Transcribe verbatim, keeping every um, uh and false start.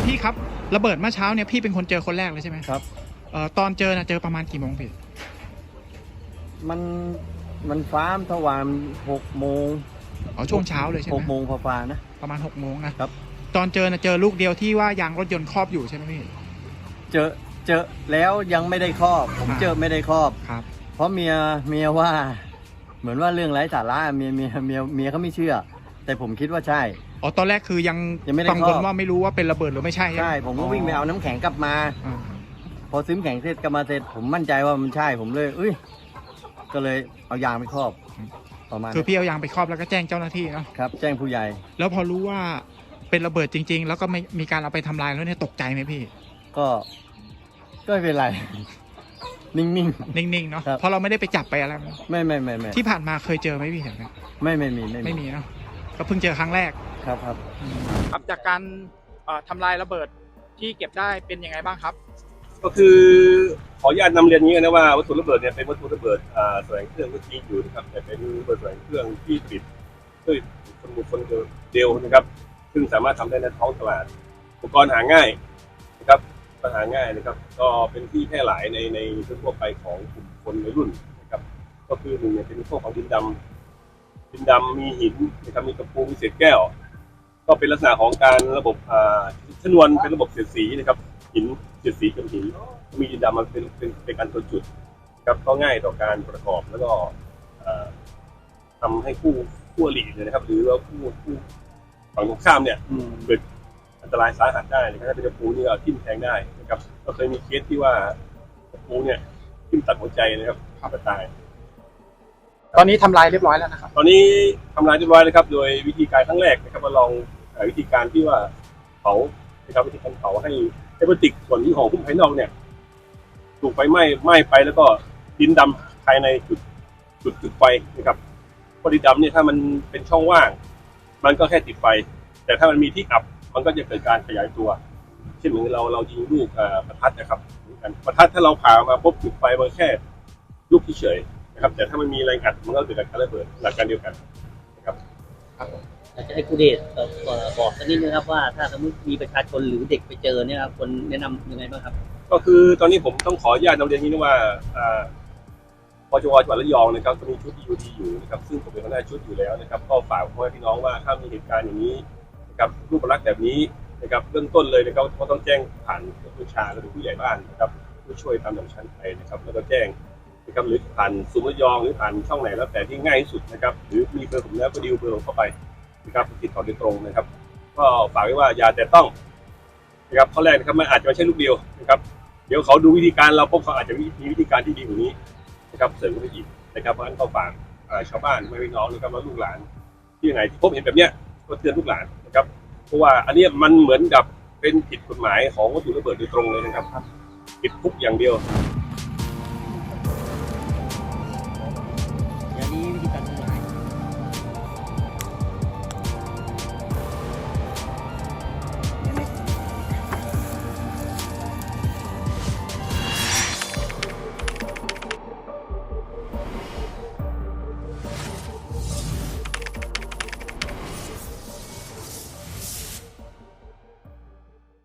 พี่ครับระเบิดเมื่อเช้าเนี่ยพี่เป็นคนเจอคนแรกเลยใช่ไหมครับเอ่อตอนเจอนะเจอประมาณกี่โมงพี่มันมันฟ้ามทวารหกโมงอ๋อช่วงเช้าเลยใช่ไหมหกโมงฟ้าๆนะประมาณหกโมงนะครับตอนเจอนะเจอลูกเดียวที่ว่ายางรถยนต์ครอบอยู่ใช่ไหมพี่เจอเจอแล้วยังไม่ได้ครอบผมเจอไม่ได้ครอบครับเพราะเมียเมียว่าเหมือนว่าเรื่องไร้สาระเมียเมียเมียเมียเขาไม่เชื่อแต่ผมคิดว่าใช่อ๋อตอนแรกคือยังยังไม่ได้กังวลว่าไม่รู้ว่าเป็นระเบิดหรือไม่ใช่ใช่ผมก็วิ่งไปเอาน้ำแข็งกลับมาพอซื้อน้ำแข็งเสร็จกลับมาเสร็จผมมั่นใจว่ามันใช่ผมเลยเอ้ยก็เลยเอายางไปครอบประมาณคือพี่เอายางไปครอบแล้วก็แจ้งเจ้าหน้าที่เนาะครับแจ้งผู้ใหญ่แล้วพอรู้ว่าเป็นระเบิดจริงๆแล้วก็ไม่มีการเอาไปทำลายแล้วเนี่ยตกใจไหมพี่ก็ก็ไม่เป็นไรนิ่งๆนิ่งๆเนาะเพราะเราไม่ได้ไปจับไปอะไรไม่ไม่ไม่ไม่ที่ผ่านมาเคยเจอไหมพี่เห็นไหมไม่ไม่มีไม่มีเนาะก็เพิ่งเจอครั้งแรกครับครับครับจากการทำลายระเบิดที่เก็บได้เป็นยังไงบ้างครับก็คือขออนุญาตนำเรียนนี้นะว่าวัตถุระเบิดเนี่ยเป็นวัตถุระเบิดแสวงเครื่องก็จริงอยู่นะครับแต่เป็นระเบิดแสวงเครื่องที่ผลิตด้วยคนบุคคลเดียวนะครับซึ่งสามารถทำได้ในท้องตลาดอุปกรณ์หาง่ายนะครับหาง่ายนะครับก็เป็นที่แพร่หลายในในทั่วไปของกลุ่มคนวัยรุ่นนะครับก็คือหนึ่งเนี่ยเป็นพวกของดินดำดินดำมีหินนะครับมีตะปูมีเศษแก้วก็เป็นลักษณะของการระบบชนวนเป็นระบบเสียดสีนะครับหินเสียดสีกับหินมีดินดำมันเป็นเป็นเป็นการตัวจุดครับก็ง่ายต่อการประกอบแล้วก็ทำให้ผู้ผู้อริเนี่ยนะครับหรือว่าผู้ผู้ฝั่งตรงข้ามเนี่ยเกิดอันตรายสาหัสได้นะครับถ้าเป็นตะปูนี่ก็ทิ่มแทงได้นะครับก็เคยมีเคสที่ว่าตะปูเนี่ยทิ่มตัดหัวใจนะครับฆ่าตายตอนนี้ทำลายเรียบร้อยแล้วนะครับตอนนี้ทำลายเรียบร้อยแล้วครับโดยวิธีการครั้งแรกนะครับมาลองวิธีการที่ว่าเผานะครับวิธีการเผาให้ให้พลาสติกส่วนที่ห่อหุ้มภายนอกเนี่ยถูกไฟไหม้ไหม้ไปแล้วก็ดินดำภายในจุดจุดจุดไฟนะครับพอดินดำเนี่ยถ้ามันเป็นช่องว่างมันก็แค่ติดไฟแต่ถ้ามันมีที่อับมันก็จะเกิดการขยายตัวเช่นเหมือนเราเรายิงลูกประทัดนะครับประทัดถ้าเราผ่ามาปุ๊บจุดไฟมันแค่ลูกเฉยนะครับแต่ถ้ามันมีแรงอัดมันก็เกิดการระเบิดหลักการเดียวกันนะครับอยากจะให้ครูเดชบอกสักนิดนึงครับว่าถ้าสมมติมีประชาชนหรือเด็กไปเจอเนี่ยครับควรแนะนำยังไงบ้างครับก็คือตอนนี้ผมต้องขออนุญาตนำเรียนนี้นะว่าปจวจังหวัดระยองนะครับก็มีชุด อี ยู ดี อยู่นะครับซึ่งผมเป็นหัวหน้าชุดอยู่แล้วนะครับก็ฝากพ่อแม่พี่น้องว่าถ้ามีเหตุการณ์อย่างนี้นะครับรูปลักษณ์แบบนี้นะครับเบื้องต้นเลยนะครับก็ต้องแจ้งผ่านผู้ชาหรือผู้ใหญ่บ้านนะครับผู้ช่วยตามลำชั้นไปนะครับแล้วก็แจ้งนะครับหรือผ่านศูนย์ระยองหรือผ่านช่องไหนแล้วแต่ที่ง่ายที่สุดนะครับหรือมีเบอร์ผมแล้วก็ดิวเบอร์เข้าไปนะครับติดต่อโดยตรงนะครับก็ฝากไว้ว่าอย่าแต่ต้องนะครับข้อแรกนะครับมันอาจจะไม่ใช่ลูกเดียวนะครับเดี๋ยวเขาดูวิธีการเราพบเขาอาจจะมีวิธีการที่ดีกว่านี้นะครับเสริมขึ้นไปอีกนะครับเพราะฉะนั้นก็ฝากชาวบ้านแม่พี่น้องนะครับและลูกหลานที่ไหนที่พบเห็นแบบเนี้ยก็เตือนลูกหลานนะครับเพราะว่าอันนี้มันเหมือนกับเป็นผิดกฎหมายของวัตถุระเบิดโดยตรงเลยนะครับผิดคุกอย่างเดียว